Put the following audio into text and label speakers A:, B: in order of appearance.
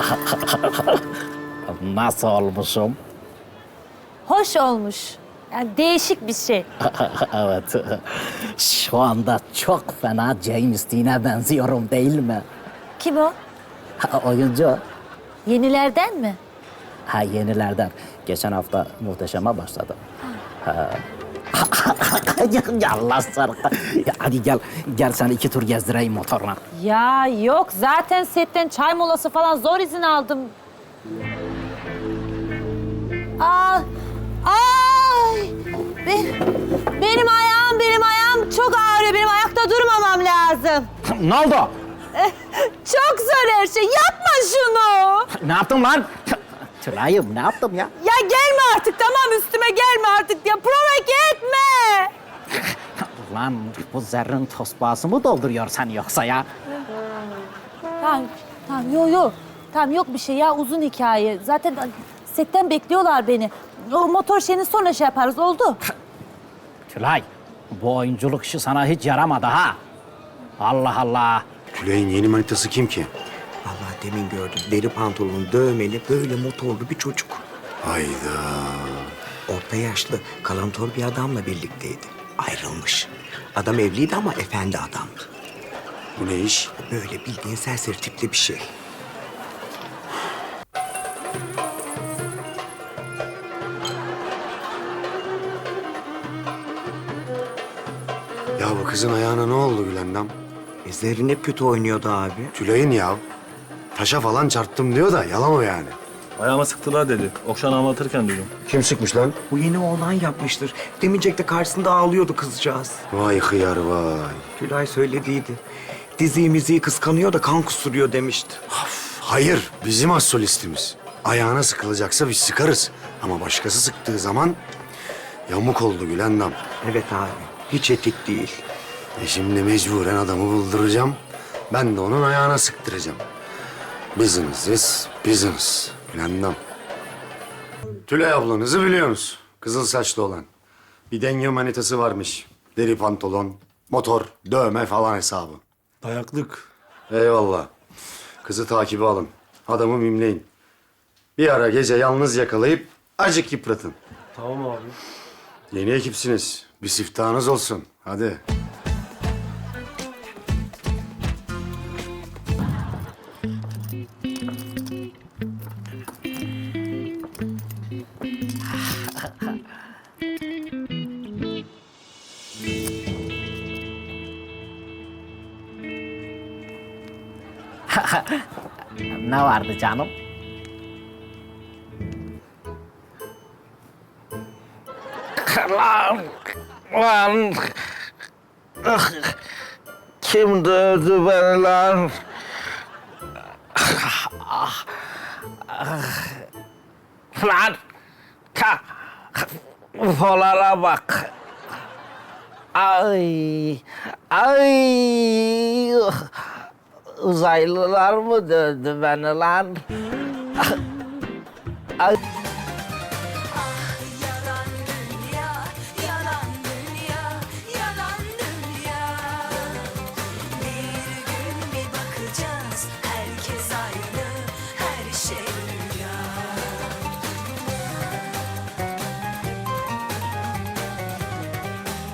A: Nasıl olmuşum?
B: Hoş olmuş. Yani değişik bir şey.
A: Evet. Şu anda çok fena James Dean'e benziyorum değil mi?
B: Kim o?
A: Oyuncu.
B: Yenilerden mi?
A: Ha, yenilerden. Geçen hafta Muhteşem'e başladı. Ya Allah sarıka. Ya hadi gel sen 2 tur gezdireyim motorla.
B: Ya yok, zaten setten çay molası falan zor izin aldım. Aa, ay! Benim ayağım çok ağrıyor. Benim ayakta durmamam lazım.
A: Ne oldu?
B: Çok zor her şey. Yapma şunu.
A: Ne yaptım lan? Tülay'ım ne yaptım ya?
B: Ya gelme artık, tamam, üstüme gelme artık ya. Provoke etme.
A: Lan bu zerrin tosbağası mı dolduruyorsan yoksa ya?
B: Tamam, yok. Tamam, yok bir şey ya, uzun hikaye. Zaten setten bekliyorlar beni. O motor şeyini sonra şey yaparız, oldu.
A: Tülay, bu oyunculuk işi sana hiç yaramadı ha. Allah Allah.
C: Tülay'ın yeni manitası kim ki?
D: Vallahi demin gördüm. Deri pantolonlu, dövmeli, böyle motorlu bir çocuk.
C: Hayda.
D: Orta yaşlı, kalantor bir adamla birlikteydi. Ayrılmış. Adam evliydi ama efendi adamdı.
C: Bu ne iş?
D: Böyle bildiğin serseri tipli bir şey.
C: Ya bu kızın ayağına ne oldu Gülendam?
D: Zerrin hep kötü oynuyordu abi.
C: Tülay'ın ya. Taşa falan çarptım diyor da yalan o yani.
E: Ayağıma sıktılar dedi. Okşan anlatırken duydum.
C: Kim sıkmış lan?
D: Bu yeni oğlan yapmıştır. Demeyecek de karşısında ağlıyordu kızcağız.
C: Vay hıyar vay.
D: Tülay söylediydi. Diziyi miziyi kıskanıyor da kan kusturuyor demişti.
C: Hayır, bizim az solistimiz. Ayağına sıkılacaksa biz sıkarız. Ama başkası sıktığı zaman yamuk oldu Gülendam.
D: Evet abi, hiç etik değil.
C: Şimdi mecburen adamı bulduracağım. Ben de onun ayağına sıktıracağım. Business is business. Gülendam. Tülay ablanızı biliyorsunuz. Kızıl saçlı olan. Bir denge manitası varmış. Deri pantolon, motor, dövme falan hesabı.
E: Dayaklık.
C: Eyvallah. Kızı takibe alın. Adamı mimleyin. Bir ara gece yalnız yakalayıp acık yıpratın.
E: Tamam abi.
C: Yeni ekipsiniz. Bir siftahınız olsun. Hadi.
A: Ne vardı canım? Lan. Kim dövdü beni lan? Lan. Ufolara bak. Ay. Uzaylılar mı dövdü beni lan?